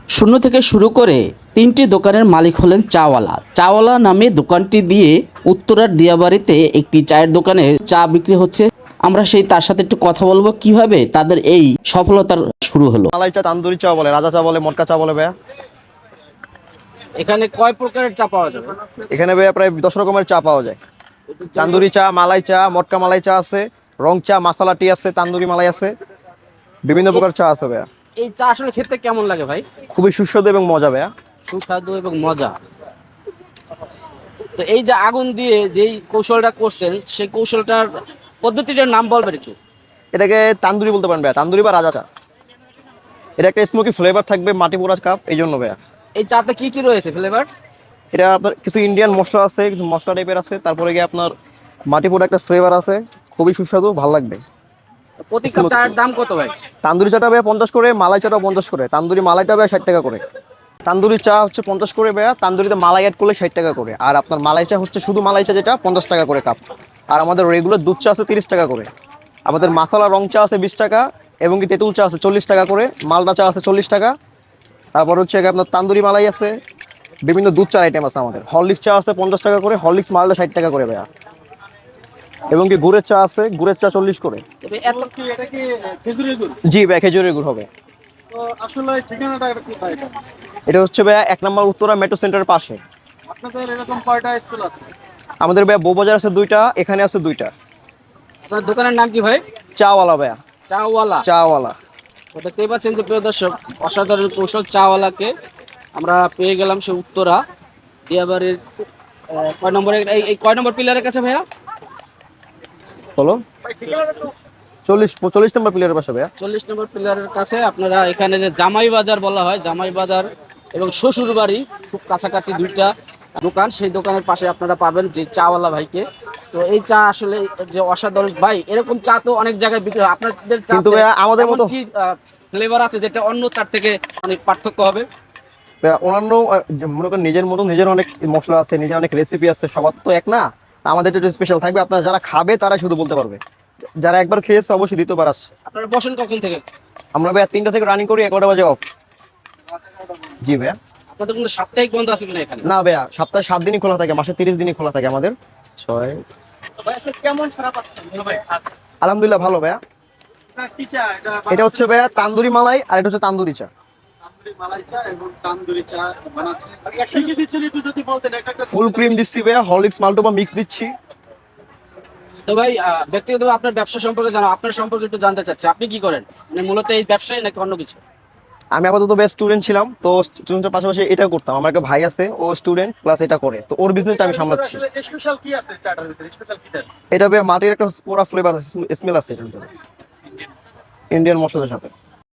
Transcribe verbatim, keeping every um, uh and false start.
শূন্য থেকে শুরু করে তিনটি দোকানের মালিক হলেন চাওয়ালা। চাওয়ালা নামে দোকানটি দিয়ে উত্তরার দিয়াবাড়িতে একটি চায়ের দোকানে চা বিক্রি হচ্ছে। আমরা সেই তার সাথে একটু কথা বলবো কিভাবে তাদের এই সফলতার শুরু হলো। মালাই চা, তান্দুরি চা বলে, রাজা চা বলে, মটকা চা বলে ভাইয়া। এখানে কয় প্রকারের চা পাওয়া যাবে? এখানে ভাইয়া প্রায় দশ রকমের চা পাওয়া যায়। তান্দুরি চা, মালাই চা, মটকা মালাই চা আছে, রং চা, মাসালা টি আছে, তান্দুরি মালাই আছে, বিভিন্ন প্রকার চা আছে ভাইয়া। এই চা আসলে খেতে কেমন লাগে ভাই? খুবই সুস্বাদু এবং মজা ভাইয়া। সুস্বাদু এবং মজা। তো এই যে আগুন দিয়ে যেই কৌশলটা করছেন সেই কৌশলটার পদ্ধতিটার নাম বলবেন একটু? এটাকে তান্দুরি বলতে পারেন ভাইয়া, তান্দুরি বা রাজা চা। এটা একটা স্মোকি ফ্লেভার থাকবে, মাটি পোড়া কাপ, এই জন্য ভাইয়া। এই চাতে কি কি রয়েছে ফ্লেভার? এটা আপনার কিছু ইন্ডিয়ান মশলা আছে, কিছু মশলা টাইপের আছে, তারপরে গিয়ে আপনার মাটি পোড়া একটা ফ্লেভার আছে, খুবই সুস্বাদু, ভালো লাগবে। প্রতি কাপ চায়ের দাম কত ভাই? তান্দুরি চাটা ভাইয়া পঞ্চাশ করে, মালাই চাটাও পঞ্চাশ করে, তান্দুরি মালাইটা ভাইয়া ষাট টাকা করে। তান্দুরি চা হচ্ছে পঞ্চাশ করে ভাইয়া, তান্দুরিতে মালাই অ্যাড করলে ষাট টাকা করে। আর আপনার মালাই চা হচ্ছে শুধু মালাই চা, যেটা পঞ্চাশ টাকা করে কাপ। আর আমাদের রেগুলার দুধ চা আছে তিরিশ টাকা করে। আমাদের মাসালা রং চা আছে বিশ টাকা, এবং কি তেঁতুল চা আছে চল্লিশ টাকা করে, মালটা চা আছে চল্লিশ টাকা। তারপর হচ্ছে আপনার তান্দুরি মালাই আছে, বিভিন্ন দুধ চার আইটেম আছে আমাদের। হরলিক্স চা আছে পঞ্চাশ টাকা করে, হরলিক্স মালটা ষাট টাকা করে ভাইয়া। এবং কি গুড়ের চা আছে, গুড়ের চা চল্লিশ করে। জি ভাই, খেজুরের গুড় হবে। আসলে ঠিকানাটা কোথায়? এটা হচ্ছে ভাইয়া এক নম্বর উত্তরা মেট্রো সেন্টারের পাশে। আপনাদের এরকম কয়টা স্কুল আছে? আমাদের ভাইয়া বউবাজার আছে দুইটা, এখানে আছে দুইটা। আপনার দোকানের নাম কি ভাই? চাওয়ালা ভাইয়া, চাওয়ালা। চাওয়ালা। তো দেখতেই পাচ্ছেন যে প্রিয় দর্শক, অসাধারণ কৌশল চাওয়ালাকে আমরা পেয়ে গেলাম সে উত্তরা দিয়াবাড়ির আহ, কয় নম্বরে এই এই কয় নম্বর পিলারের কাছে ভাইয়া? বলো, চল্লিশ চল্লিশ নম্বর প্লেয়ারের পাশে ভাইয়া। চল্লিশ নম্বর পিলারের কাছে। আপনারা এখানে যে জামাই বাজার বলা হয়, জামাই বাজার এবং শ্বশুর বাড়ি খুব কাছাকাছি দুইটা দোকান, সেই দোকানের পাশে আপনারা পাবেন যে চাওয়ালা ভাইকে। তো এই চা আসলে যে অসাধারণ ভাই, এরকম চা তো অনেক জায়গায় বিক্রি হয়, আপনাদের চা কিন্তু ভাইয়া আমাদের মতো কি ফ্লেভার আছে যেটা অন্য চার থেকে অনেক পার্থক্য হবে? ভাইয়া, অন্যান্য আহ, যে মনে করেন নিজের মতো নিজের অনেক মশলা আছে, নিজের অনেক রেসিপি আছে, সবার তো এক না। আমাদের একটু স্পেশাল থাকবে, আপনারা যারা খাবে তারা শুধু বলতে পারবে। যারা একবার খেয়েছে অবশ্যই দ্বিতীয়বার আসছে। আপনারা বসেন কখন থেকে? আমরা ভাইয়া তিনটা থেকে রানিং করি, এগারোটা বাজে অফ। জি ভাইয়া। আপনাদের কোনো সাপ্তাহিক বন্ধ আছে কিনা এখানে? না ভাইয়া, সপ্তাহে সাত দিনই খোলা থাকে, মাসে তিরিশ দিনই খোলা থাকে আমাদের। ছয়। ভাই আপনি কেমন খারাপ পাচ্ছেন বলো ভাই? আলহামদুলিল্লাহ ভালো ভাইয়া। এটা কি চা? এটা এটা হচ্ছে ভাইয়া তান্দুরি মালাই, আর এটা হচ্ছে তান্দুরি চা। তান্দুরি মালাই চা এবং তান্দুরি চা বানাচ্ছে। কি কি দিচ্ছেন একটু যদি বলতেন একটা একটা। ফুল ক্রিম দিচ্ছি ভাইয়া, হরলিক্স মাল্টোবা মিক্স দিচ্ছি। তো ভাই আহ, ব্যক্তিগতভাবে আপনার ব্যবসা সম্পর্কে জানো, আপনার সম্পর্কে একটু জানতে চাচ্ছি, আপনি কি করেন? মানে মূলত এই ব্যবসায় নাকি অন্য কিছু? আমি আপাতত বেস্ট স্টুডেন্ট ছিলাম, তো স্টুডেন্টের পাশাপাশি এটা করতাম। আমার একটা ভাই আছে, ও স্টুডেন্ট প্লাস এটা করে, তো ওর বিজনেসটা আমি সামলাচ্ছি। আসলে স্পেশাল কি আছে চাটার ভিতরে? স্পেশাল কি দেন? এটা ভাইয়া মাটির একটা পুরা ফ্লেভার আছে, স্মেল আছে এটার ভিতরে, ইন্ডিয়ান মশলার সাথে।